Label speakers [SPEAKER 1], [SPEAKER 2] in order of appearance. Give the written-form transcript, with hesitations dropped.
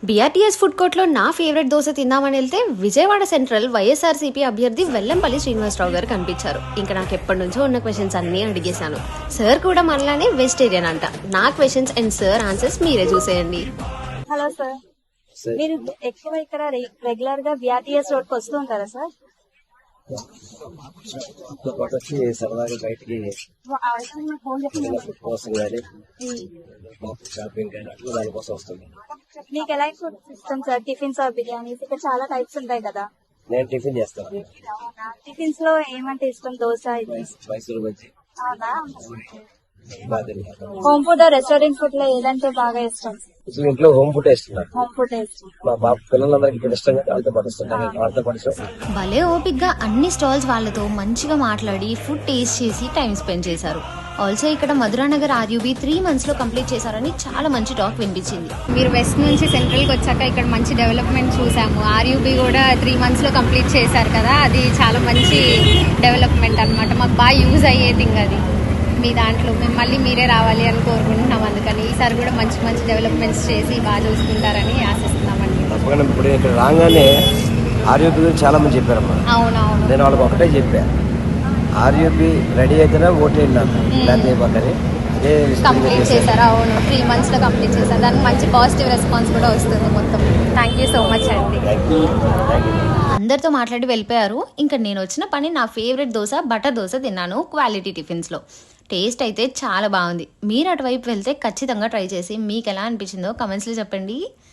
[SPEAKER 1] BRTS food కోర్ట్లో నా favourite dosa తిందామని వెళ్తే విజయవాడ సెంట్రల్ వైఎస్ఆర్సీపీ అభ్యర్థి వెల్లంపల్లి శ్రీనివాసరావు గారు కనిపించారు. ఇంకా నాకు ఎప్పటి నుంచో ఉన్న క్వశ్చన్స్ అన్నీ అడిగేశాను. సార్ కూడా మనలానే వెజిటేరియన్ అంట. నా క్వశ్చన్స్ అండ్ సార్ ఆన్సర్స్ మీరే చూసేయండి.
[SPEAKER 2] హలో సార్, మీరు ఎక్కువ ఇక్కడ రెగ్యులర్ గా బీఆర్టీఎస్ రోడ్ కి వస్తూ ఉంటారా సార్?
[SPEAKER 3] సరదాగా బయటికి కోసం కానీ షాపింగ్ కానీ అట్లా దానికోసం వస్తుంది.
[SPEAKER 2] మీకు ఎలాంటి ఫుడ్ ఇష్టం సార్? Tiffins are biryanis? ఇక్కడ చాలా టైప్స్ ఉంటాయి కదా.
[SPEAKER 3] నేను టిఫిన్ చేస్తాను.
[SPEAKER 2] టిఫిన్స్ లో ఏమంటే ఇష్టం? దోశ, ఇడ్లీ.
[SPEAKER 3] మైసూరు బజ్జీ
[SPEAKER 2] అవునా?
[SPEAKER 3] బాగా తింటాను.
[SPEAKER 2] హోమ్ ఫుడ్, రెస్టారెంట్ ఫుడ్ లో ఏదంటే బాగా ఇష్టం?
[SPEAKER 3] అసలు ఇంట్లో హోమ్ ఫుడ్ ఇస్తున్నారు.
[SPEAKER 2] హోమ్ ఫుడ్ ఇష్టం.
[SPEAKER 3] మా బాబు పిల్లలందరికీ ఇక్కడ ఇష్టంగా వాళ్ళతో పాటు ఇస్తుంటారు. వాళ్ళతో పాటు
[SPEAKER 1] భలే ఓపిక్గా అన్ని స్టాల్స్ వాళ్ళతో మంచిగా మాట్లాడి ఫుడ్ టేస్ట్ చేసి టైం స్పెండ్ చేశారు. ఆల్సో ఇక్కడ మధురానగర్ ఆర్యూబీ 3 months లో కంప్లీట్ చేశారని చాలా మంచి టాక్ వినిపించింది.
[SPEAKER 4] మీరు వెస్ట్ నుంచి సెంట్రల్కి వచ్చాక ఇక్కడ మంచి డెవలప్మెంట్ చూసాము. ఆర్యూబీ కూడా 3 months లో కంప్లీట్ చేశారు కదా, అది చాలా మంచి డెవలప్మెంట్ అన్నమాట. మాకు బాగా యూజ్ అయ్యే థింగ్ అది. మీ దాంట్లో మేము మళ్ళీ మీరే రావాలి అని కోరుకుంటున్నాం. అందుకని ఈసారి కూడా మంచి మంచి డెవలప్మెంట్స్ చేసి బాగా చూసుకుంటారని ఆశిస్తున్నామండి.
[SPEAKER 3] తప్పకుండా ఇప్పుడు ఇక్కడ రాగానే ఆర్యూపీ గురించి చాలా మంది చెప్పారమ్మా.
[SPEAKER 4] అవునవును,
[SPEAKER 3] నేను వాళ్ళకి ఒకటే చెప్పాను, ఆర్యూపీ రెడీ అయితేనే ఓటేయండి నాకు, లేకపోతే అదే
[SPEAKER 4] కంప్లీట్ చేశారు. అవును, 3 months లో కంప్లీట్ చేశారు. దానికి మంచి పాజిటివ్ రెస్పాన్స్ కూడా వస్తుంది మొత్తం. థ్యాంక్ యూ సో మచ్ అండి.
[SPEAKER 1] అందరితో మాట్లాడి వెళ్ళిపోయారు. ఇంకా నేను వచ్చిన పని నా ఫేవరెట్ దోశ బటర్ దోశ తిన్నాను క్వాలిటీ టిఫిన్స్లో. టేస్ట్ అయితే చాలా బాగుంది. మీరు అటువైపు వెళ్తే ఖచ్చితంగా ట్రై చేసి మీకు ఎలా అనిపించిందో కమెంట్స్లో చెప్పండి.